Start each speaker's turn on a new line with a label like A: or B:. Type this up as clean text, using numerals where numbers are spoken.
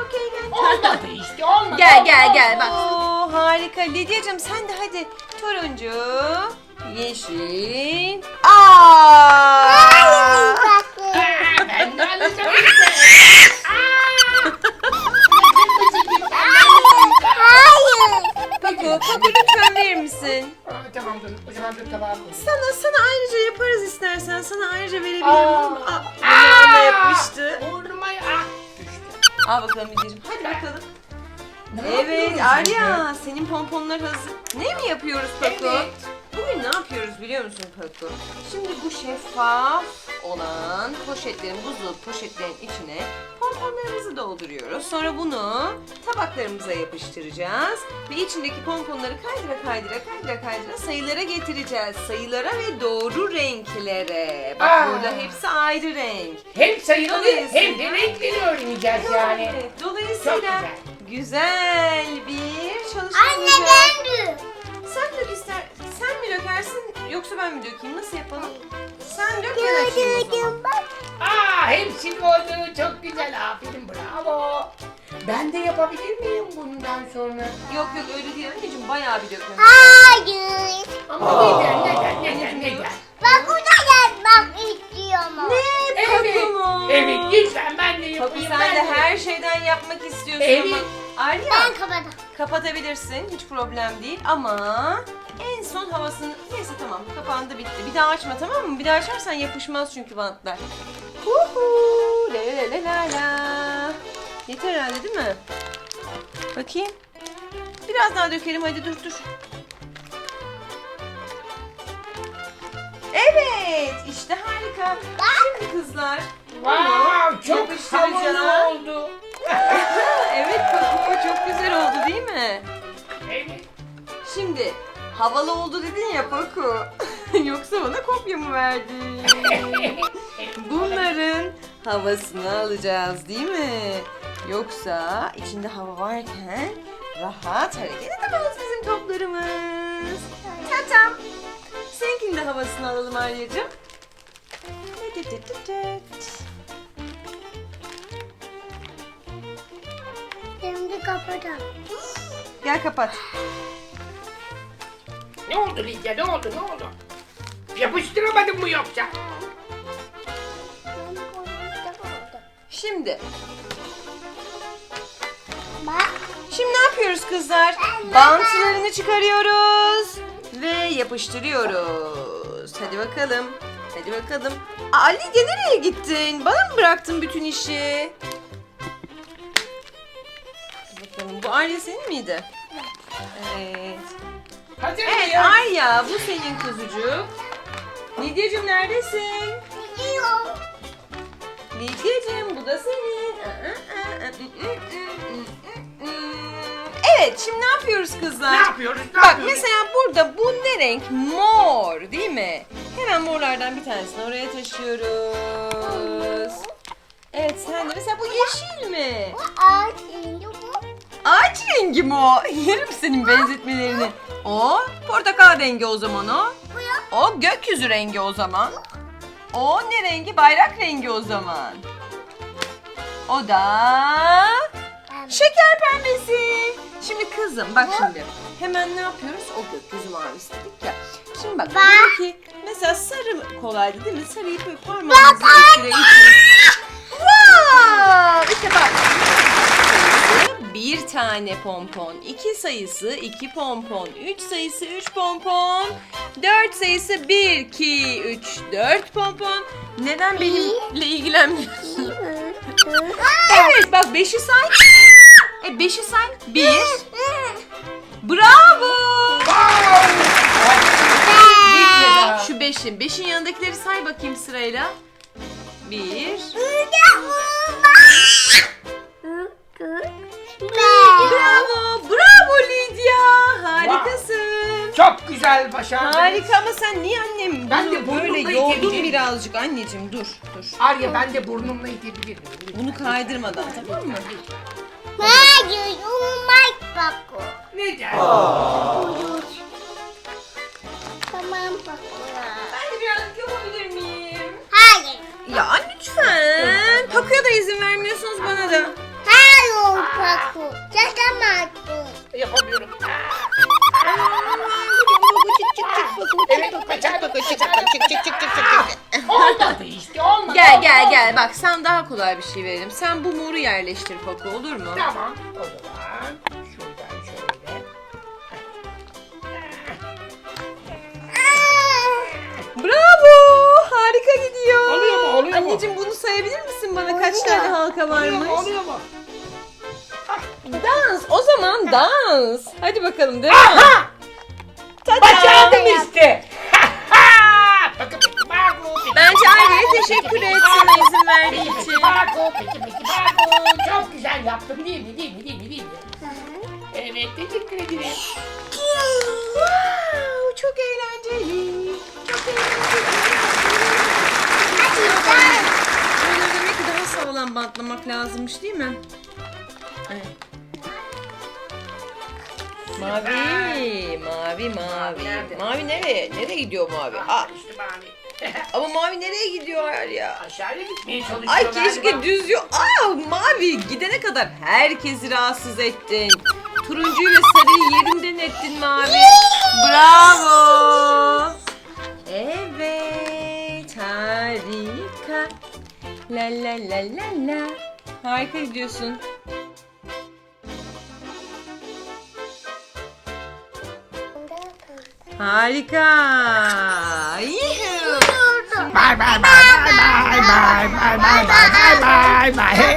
A: çok eğlenceli.
B: Olmadı işte olmadı.
A: Gel bak. Oo, harika. Lidyacığım sen de hadi. Turuncu, yeşil.
B: Ben de alacağım.
A: Paku lütfen verir misin?
B: Tamam dur. O zaman dur tabağa koy.
A: Sana ayrıca yaparız istersen. Sana ayrıca verebilirim.
B: Aa.
A: Burnuma yapmıştı.
B: Burnuma düştü.
A: Al bakalım Lidyacığım. Hadi bakalım.
B: Ne
A: Evet
B: yapıyoruz
A: Arya, senin pomponlar hazır. Ne mi yapıyoruz Paku?
B: Evet.
A: Bugün ne yapıyoruz biliyor musun Paku? Şimdi bu şeffaf olan poşetlerin, buzlu poşetlerin içine pomponlarımızı dolduruyoruz. Sonra bunu tabaklarımıza yapıştıracağız. Ve içindeki pomponları kaydıra sayılara getireceğiz. Sayılara ve doğru renklere. Bak burada hepsi ayrı renk.
B: Hem sayıları
A: Dolayısıyla-
B: hem de renkleri öğreneceğiz yani.
A: Evet,
B: Çok
A: dolayısıyla güzel bir çalışma
C: Anne
A: olacak.
C: ben de.
A: Sen mi dökersin yoksa ben mi dökeyim? Nasıl yapalım? Sen dök ben açayım o zaman.
C: Bak.
B: Hepsinin oldu. Çok güzel. Aferin bravo. Ben de yapabilir miyim bundan sonra?
A: Yok öyle değil anneciğim, bayağı bir dökmemiz.
C: Hayır.
B: Ama neden?
C: Bak o da yapmak istiyorum.
B: Evet lütfen ben de
A: Paku
B: yapayım.
A: sen de
B: ben
A: her şeyden yapmak istiyorsun
B: Evet.
A: ama. Arya
C: Ben kapadım.
A: kapatabilirsin, hiç problem değil ama en son havasını... Neyse tamam, kapandı bitti. Bir daha açma, tamam mı? Bir daha açarsan yapışmaz çünkü bantlar. Huhu, la. Yeter herhalde değil mi? Bakayım. Biraz daha dökelim, hadi dur. Evet, işte harika. Şimdi kızlar.
B: Wow, çok
A: yapıştıracağım.
B: havalı oldu.
A: Evet Paku, çok güzel oldu değil mi?
B: Evet.
A: Şimdi havalı oldu dedin ya Paku. Yoksa bana kopya mı verdin? Bunların havasını alacağız değil mi? Yoksa içinde hava varken rahat hareket edemez bizim toplarımız. Tatam. Seninkinin de havasını alalım Arya'cığım.
C: Şimdi kapadım.
A: Gel kapat.
B: Ne oldu Lidya ne oldu? Yapıştıramadın mı yoksa?
A: Şimdi
C: Bak.
A: ne yapıyoruz kızlar? Bantlarını çıkarıyoruz ve yapıştırıyoruz. Hadi bakalım. Aa, Lidya nereye gittin? Bana mı bıraktın bütün işi? Hadi bakalım. Bu Arya senin miydi? Evet.
B: Hazır
A: Evet
B: mıyız?
A: Arya, bu senin kuzucuk. Lidyacığım neredesin?
C: Gidiyorum.
A: Lidyacığım bu da senin. Evet, şimdi ne yapıyoruz kızlar?
B: Ne yapıyoruz?
A: Bak mesela burada bu ne renk? Mor değil mi? Hemen morlardan bir tanesini oraya taşıyoruz. Evet sen de mesela bu yeşil mi?
C: Bu ağaç indi bu.
A: Ağaç rengi mi o? Yerim senin benzetmelerini. O portakal rengi o zaman o. O gökyüzü rengi o zaman. O ne rengi? Bayrak rengi o zaman. O da şeker pembesi. Şimdi kızım bak şimdi. Hemen ne yapıyoruz? O gökyüzü mavisi dedik ya. Şimdi bak diyor ki mesela sarı kolaydı değil mi? Sarıyı böyle parmağınızla itire. Wow! İşte bak. Bir tane pompon, 2 sayısı 2 pompon, 3 sayısı 3 pompon, 4 sayısı 1, 2, 3, 4 pompon. Neden benimle ilgilenmiyorsun? Evet bak 5'i say. 5'i say. 1. Bravo.
B: Lidya.
A: Şu 5'in. 5'in yanındakileri say bakayım sırayla. 1. Bravo Lidya. Harikasın.
B: Çok güzel başardınız.
A: Harika ama sen niye annem
B: Ben
A: bunu
B: de burnumla
A: böyle yoldun
B: itebilirim.
A: birazcık anneciğim dur.
B: Arya ben de burnumla itebilirim.
A: Bunu kaydırmadan tamam mı?
C: Hayır. Olmaz bak o.
B: Neden?
C: Tamam bak.
A: Ben de birazcık yapabilir miyim?
C: Hayır.
A: Ya lütfen. Pakuya da izin vermiyorsunuz bana da.
C: Hayır oldu. Paku. Çatamazsın.
B: Yapamıyorum. Evet, başardım. Olmadı işte, olmadı.
A: Gel
B: olmadı.
A: gel bak sen daha kolay bir şey verelim. Sen bu moru yerleştir Paku, olur mu?
B: Tamam, o zaman şuradan şöyle.
A: Bravo! Harika gidiyor.
B: Oluyor mu, oluyor mu?
A: Anneciğim bunu sayabilir misin bana kaç
C: Oluyor.
A: tane halka
B: Oluyor mu,
A: varmış?
B: oluyor mu?
A: Dans. O zaman dans. Hadi bakalım devam.
B: Aha!
A: Tada!
B: Başardım işte. Bakın peki Baku.
A: Bence Arya'ya teşekkür et sana izin verdiği
B: Peki
A: için.
B: Baku. Peki Baku. Çok güzel yaptım değil mi? Değil mi? Değil mi? Değil mi? Evet, teşekkür ederim.
A: Wow, çok eğlenceli. Çok eğlenceli. Böyle demek ki daha sağlam bantlamak lazımmış değil mi? Evet. Mavi, mavi, mavi.
B: Nerede?
A: Mavi nereye? Nereye gidiyor mavi? Aa,
B: İşte mavi.
A: ama mavi nereye gidiyor ya?
B: Aşağıya gitmeye çalışıyor
A: Ay keşke
B: galiba.
A: düz yol. Aa, mavi gidene kadar herkesi rahatsız ettin. Turuncuyu ve sarıyı yerinden ettin mavi. Bravo. Evet, harika. La la la la la. Harika gidiyorsun. Harika. Yuhuu.
B: Bye bye bye bye bye bye bye bye bye bye bye.